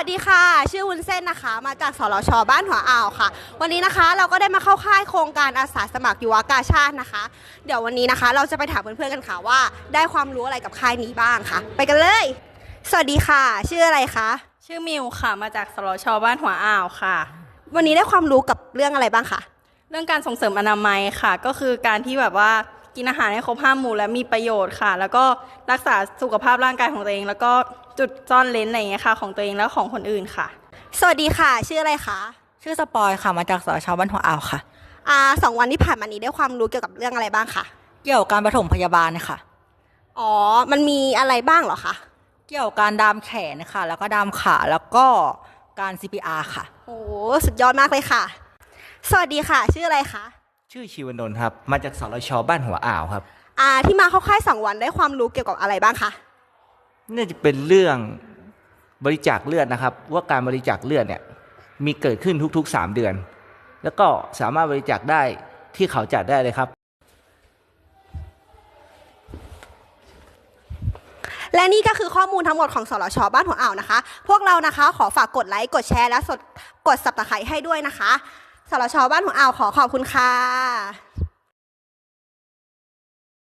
วัสดีค่ะชื่อวุ้นเส้นนะคะมาจากสรชบ้านหัวอ่าวค่ะวันนี้นะคะเราก็ได้มาเข้าค่ายโครงการอาสาสมัครยุวกาชาตินะคะเดี๋ยววันนี้นะคะเราจะไปถามเพื่อนๆกันค่ะว่าได้ความรู้อะไรกับค่ายนี้บ้างค่ะไปกันเลยสวัสดีค่ะชื่ออะไรคะชื่อมิวค่ะมาจากสรชบ้านหัวอ่าวค่ะวันนี้ได้ความรู้กับเรื่องอะไรบ้างคะเรื่องการส่งเสริมอนามัยค่ะก็คือการที่แบบว่ากินอาหารให้ครบ5 หมู่และมีประโยชน์ค่ะแล้วก็รักษาสุขภาพร่างกายของตัวเองแล้วก็จุดซ่อนเร้นอะไรอย่างเงี้ยค่ะของตัวเองและของคนอื่นค่ะสวัสดีค่ะชื่ออะไรคะชื่อสปอยค่ะมาจากสรชบ้านหัวอ่าวค่ะ 2 วันที่ผ่านมานี้ได้ความรู้เกี่ยวกับเรื่องอะไรบ้างคะเกี่ยวกับการปฐมพยาบาลค่ะอ๋อมันมีอะไรบ้างเหรอคะเกี่ยวกับการดามแขนค่ะแล้วก็ดามขาแล้วก็การ CPR ค่ะโอ้สุดยอดมากเลยค่ะสวัสดีค่ะชื่ออะไรคะชื่อชีวนนท์ครับมาจากสรชบ้านหัวอ่าวครับที่มาเข้าค่าย2 วันได้ความรู้เกี่ยวกับอะไรบ้างคะน่าจะเป็นเรื่องบริจาคเลือดนะครับว่าการบริจาคเลือดเนี่ยมีเกิดขึ้นทุกๆ3 เดือนแล้วก็สามารถบริจาคได้ที่เขาจัดได้เลยครับและนี่ก็คือข้อมูลทั้งหมดของสรชบ้านหัวอ่าวนะคะพวกเรานะคะขอฝากกดไลค์กดแชร์และกด Subscribe ให้ด้วยนะคะสรชบ้านหัวอ่าวขอบคุณค่ะ